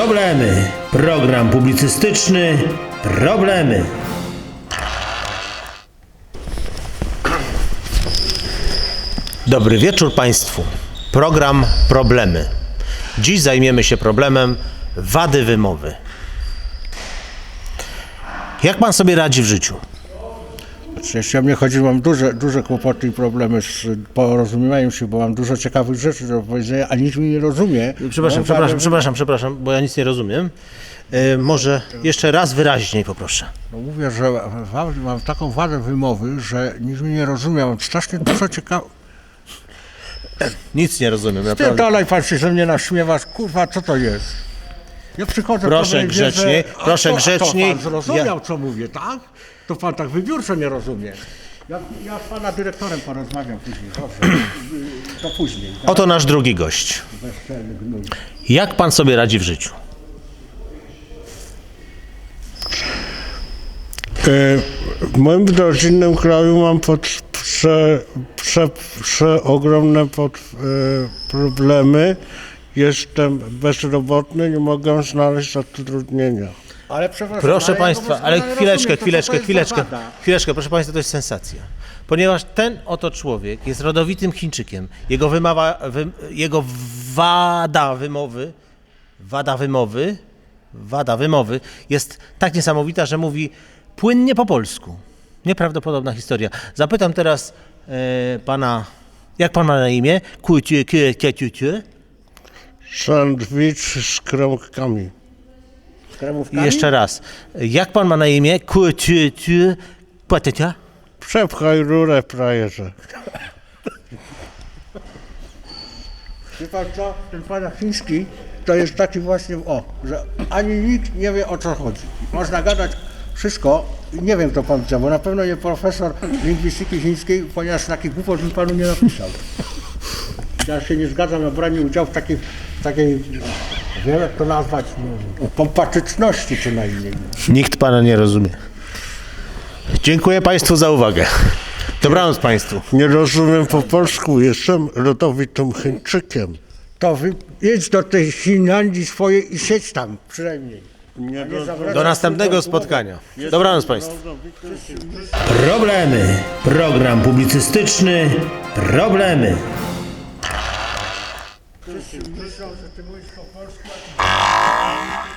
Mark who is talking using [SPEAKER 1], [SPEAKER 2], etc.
[SPEAKER 1] Problemy. Program publicystyczny. Problemy.
[SPEAKER 2] Dobry wieczór Państwu. Program Problemy. Dziś zajmiemy się problemem wady wymowy. Jak Pan sobie radzi w życiu?
[SPEAKER 3] Jeśli o mnie chodzi, mam duże kłopoty i problemy z porozumiewaniem się, bo mam dużo ciekawych rzeczy do powiedzenia, a nikt mnie nie rozumie.
[SPEAKER 2] Przepraszam, bo ja nic nie rozumiem. Może jeszcze raz wyraźniej poproszę.
[SPEAKER 3] No mówię, że mam taką wadę wymowy, że nikt mnie nie rozumie, mam strasznie dużo ciekawych...
[SPEAKER 2] Nic nie rozumiem, naprawdę.
[SPEAKER 3] Dalej pan się ze mnie naśmiewasz, kurwa, co to jest? Ja przychodzę...
[SPEAKER 2] Proszę grzeczniej, proszę grzeczniej.
[SPEAKER 3] To pan zrozumiał, co mówię, tak? To pan tak wybiórczo nie rozumie. Ja z pana dyrektorem porozmawiam później, dobrze? To później. Tak?
[SPEAKER 2] Oto nasz drugi gość.
[SPEAKER 3] Bezczelny gnój.
[SPEAKER 2] Jak Pan sobie radzi w życiu?
[SPEAKER 4] W moim rodzinnym kraju mam przeogromne problemy. Jestem bezrobotny, nie mogę znaleźć zatrudnienia.
[SPEAKER 3] Ale przepraszam,
[SPEAKER 2] Proszę
[SPEAKER 3] ja
[SPEAKER 2] Państwa,
[SPEAKER 3] go
[SPEAKER 2] ale
[SPEAKER 3] doskonale
[SPEAKER 2] chwileczkę,
[SPEAKER 3] rozumiem, to co to jest za wada?
[SPEAKER 2] chwileczkę, proszę Państwa, to jest sensacja. Ponieważ ten oto człowiek jest rodowitym Chińczykiem, jego wada wymowy jest tak niesamowita, że mówi płynnie po polsku. Nieprawdopodobna historia. Zapytam teraz pana, jak pan ma na imię?
[SPEAKER 4] Sandwich z kremkami.
[SPEAKER 3] Z kremówkami?
[SPEAKER 2] Jeszcze raz. Jak pan ma na imię?
[SPEAKER 4] Przepchaj rurę, frajerze.
[SPEAKER 3] Wie pan co, ten pan chiński to jest taki właśnie, że ani nikt nie wie, o co chodzi. Można gadać wszystko i nie wiem, kto pan widział, bo na pewno nie profesor lingwistyki chińskiej, ponieważ taki głupot bym panu nie napisał. Ja się nie zgadzam na branie udziału w takiej wiem jak to nazwać, pompatyczności co najmniej.
[SPEAKER 2] Nikt pana nie rozumie. Dziękuję Państwu za uwagę. Dobranoc Państwu.
[SPEAKER 4] Nie rozumiem po polsku, jestem rodowitym Chińczykiem.
[SPEAKER 3] To jedź do tej Finlandii swojej i siedź tam przynajmniej.
[SPEAKER 2] Do następnego spotkania. Dobranoc Państwu.
[SPEAKER 1] Problemy. Program publicystyczny. Problemy.
[SPEAKER 3] Myślą, że ty mówisz po polsku,